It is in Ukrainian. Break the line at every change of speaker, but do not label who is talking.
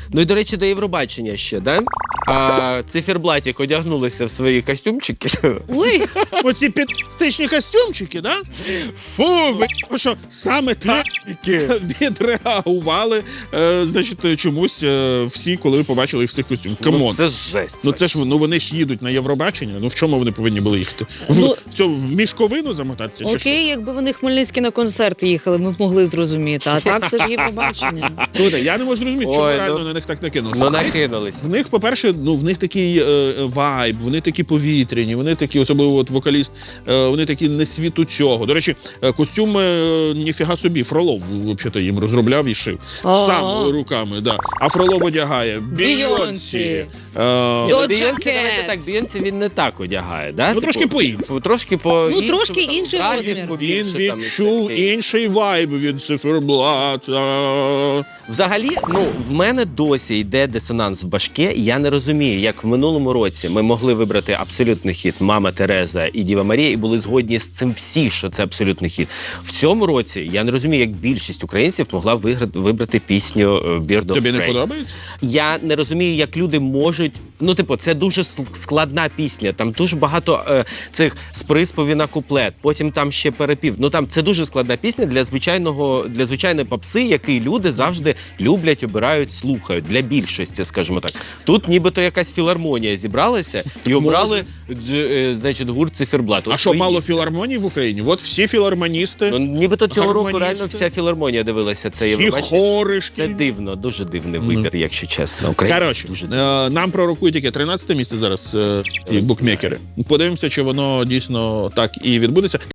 Ну і, до речі, до Євробачення ще, да? А циферблатик одягнулися в свої костюмчики.
Ой,
Оці підстичні костюмчики, да?
Фу,
Тому що саме так відреагували, значить, чомусь всі, коли побачили їх в цих костюмах. Камон.
це жесть.
Ну це ж вони ж їдуть на Євробачення. Ну в чому вони повинні були їхати? В мішковину замотатися? Чи що?
окей, якби вони Хмельницькі на концерт їхали, ми б могли зрозуміти. А так це ж є побачення.
Слухайте, я не можу зрозуміти, чому
Ой,
реально
ну,
на них так накинулося.
Ну накинулись.
В них, по-перше, в них такий вайб, вони такі повітряні, вони такі, особливо от вокаліст, вони такі не світу цього. До речі, костюм ніфіга собі, Фролов, взагалі, їм розробляв і шив. Сам руками, да. А Фролов одягає Бійонсі.
Йо,
Бійонсі,
джакет.
давайте так, Бійонсі він не так одягає, да?
Ну, трошки по-іншому.
Трошки по
Ну, трошки інший розмір.
Він відчув інший вайб від циферблата.
Взагалі, ну, в мене досі йде дисонанс в башке, і я не розумію, як в минулому році ми могли вибрати абсолютний хіт «Мама Тереза» і «Діва Марія» і були згодні з цим всі, що це абсолютний хіт. В цьому році я не розумію, як більшість українців могла вибрати пісню «Bird of
Тобі не
Prey».
подобається?
Я не розумію, як люди можуть... Ну, типу, це дуже складна пісня, там дуже багато цих з приспівів на куплет, потім там ще перепів. Ну, там це дуже складна пісня для звичайної попси, який люди завжди люблять, обирають, слухають. Для більшості, скажімо так. Тут нібито якась філармонія зібралася і обрали, значить, гурт «Циферблат».
А що, мало філармоній в Україні? От всі філармоністи,
Ну, нібито цього року
гармоністи.
реально вся філармонія дивилася це
всі
Євробачення.
хори
Це
шкільні.
дивно, дуже дивний вибір, якщо чесно. Українці
Коротше,
дуже дивно.
нам пророкують яке 13-те місце зараз букмекери. Подивимося, чи воно дійсно так і відбудеться.